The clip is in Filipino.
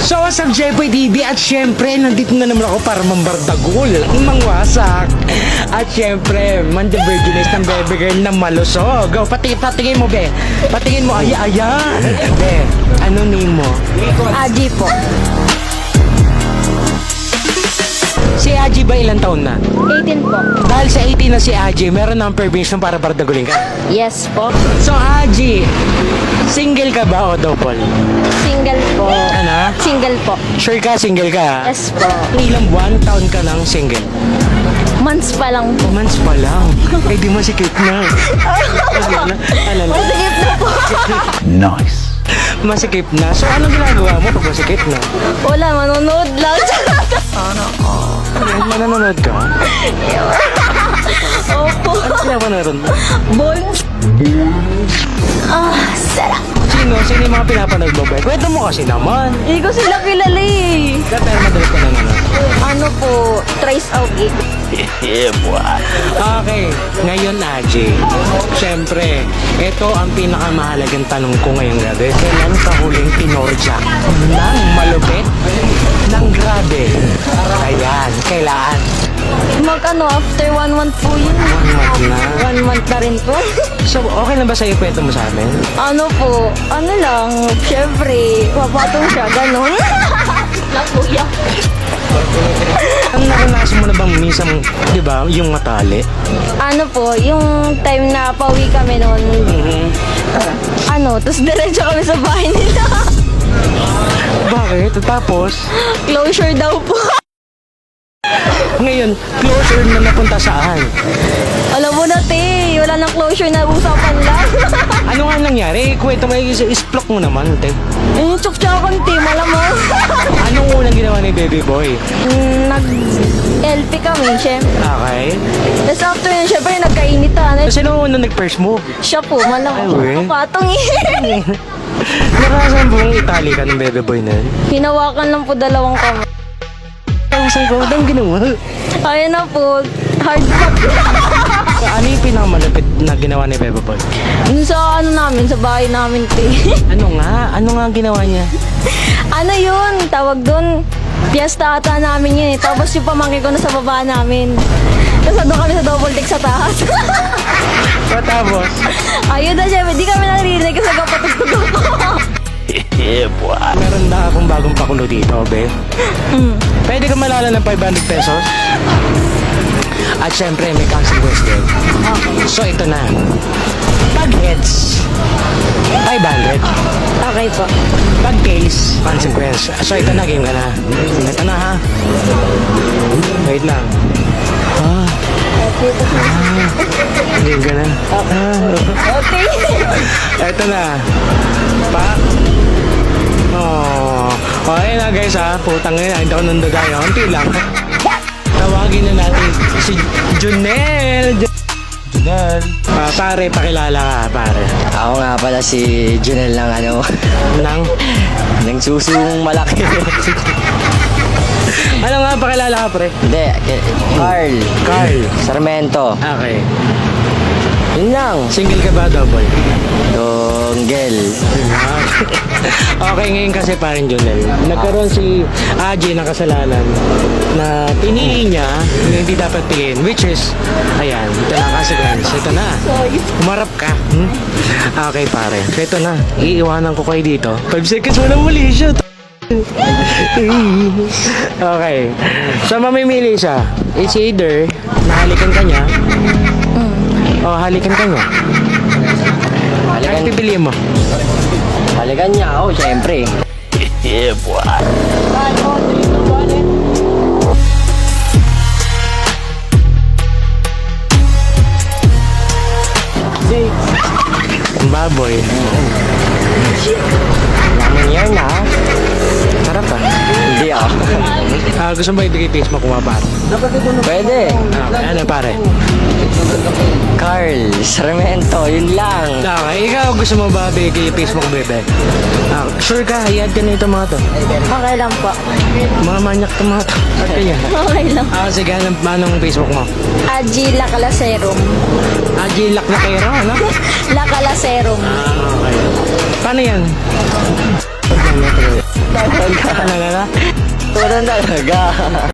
So what's up, Jeboy TV? At syempre, nandito na naman ako para mambardagol, mangwasak. At syempre, man the virginist ng baby girl na malusog. Go, patingin mo, be. Patingin mo, ayan. Be, ano name mo? Aji po. Si Aji ba ilang taon na? 18 po. Dahil sa 18 na si Aji, meron ng permission para bardagulin ka. Yes po. So Aji, single ka ba o double? Single po. Ano? Single po. Sure ka, single ka? Yes po. Ilang buwan, taon ka lang single? Months pa lang po. Months pa lang. Eh di masikip na. Alala. Masigit na po. Nice. Masikip na. So anong ginagawa mo pag masikip na? Wala, manonood lang. Manonood ka? Opo. Ano pinapanood mo? Bones. Sarap. Sino yung mga pinapanood mo ba? Kwento mo kasi naman. Hindi ko sila kilala eh. Pero madalas ka na naman. Ano po, Trace Augie. Okay, ngayon Aji, syempre, ito ang pinakamahalagang tanong ko ngayong gabi. Kailan ka huling pinorjak ng malupit, ng grabe? Ayan, kailan? After 1 month po yun. 1 month na. 1 month na rin po. So, okay na ba sa'yo kwento mo sa amin? Ano po, ano lang, syempre, papatong siya, ganun. Lang kuya. Ang naranasan mo na bang minsan, di ba, yung matali? Ano po, yung time na pauwi kami noon, tapos diretso kami sa bahay nila. Bakit? Tapos, Closure daw po. ngayon, closure na napunta saan? Alam mo na, te, wala nang closure na usapan lang. Ano nga nangyari? Kwento mo, isplok mo naman, te. Yung tsuk-tsukan, te, malamang. Anong unang ginawa ni baby boy? Nag-LP kami, syempre. Okay. Tapos after yun, syempre, nagkainitan. So, sino unang nag-first move? Siya po, malamang. Ay, we. Patong eh. Naranasan mo bang itali ka ng baby boy na yun? Hinawakan lang po dalawang kamay. Saan ko? Anong ginawa? Ayun na po, hard pack. Ano yung pinakamalapit na ginawa ni baby boy? Dun sa sa bahay namin, te. Ano nga? Ano nga ang ginawa niya? Ano yun? Tawag doon. Piyesta ata namin yun eh. Tapos yung pamangkin ko na sa baba namin. Tapos doon kami sa double deck sa taas. Tapos? Ayun na siya. Di kami naririnig kasi kapatugtog ako. Meron na akong bagong pakulo dito, be. Pwede ka malala ng 500 pesos? At syempre, may consequence din. So, ito na. Pag heads, 500. Okay po. Pag tails, consequence. So, ito na, game ka na. Ito na, ha? Wait lang. Game ka na. Okay. Ito na. Okay na guys ha. Putang ina. Hindi ako nandagay. Unti lang. Tawagin na natin si Junel. Junel. Pare, pakilala ka, pare. Ako nga pala si Junel ng Nang? ng susung malaki. Ano nga, pakilala ka, pre? Hindi, Carl. Carl. Sarmento. Okay. Yun lang. Single ka ba, double? Donggel. Okay, ngayon kasi parin Junel. Nagkaroon si AJ ng kasalanan na pinili niya na hindi dapat piliin. Which is, ayan, ito na ang consequence. Ito na. Umarap ka. Okay, pare. So ito na. Iiwanan ko kayo dito. 5 seconds, walang muli siya. Okay. So mamimili siya. It's either nahalikan ka niya o halikan ka niya. Ano pipiliin mo? Halikan niya ako, syempre. Baboy. Naman yan na. Sarap ah. Hindi ako. Gusto mo ibigay face mo kung maparo? Pwede. Ano pare? Carl Sarmento, yun lang. Okay, ikaw gusto mo ba bigay face mo kung bebe? Sure ka, i-add ka na ito mga to. Okay lang po. Mga manyak to mga to. Add ka yan. Okay lang. Sige, anong Facebook mo? Aji Lacalaserum. AJ Laclaquero, ano? Lacalaserum. Okay. Paano yan? Talaga. Talaga. Talaga na? Turan talaga.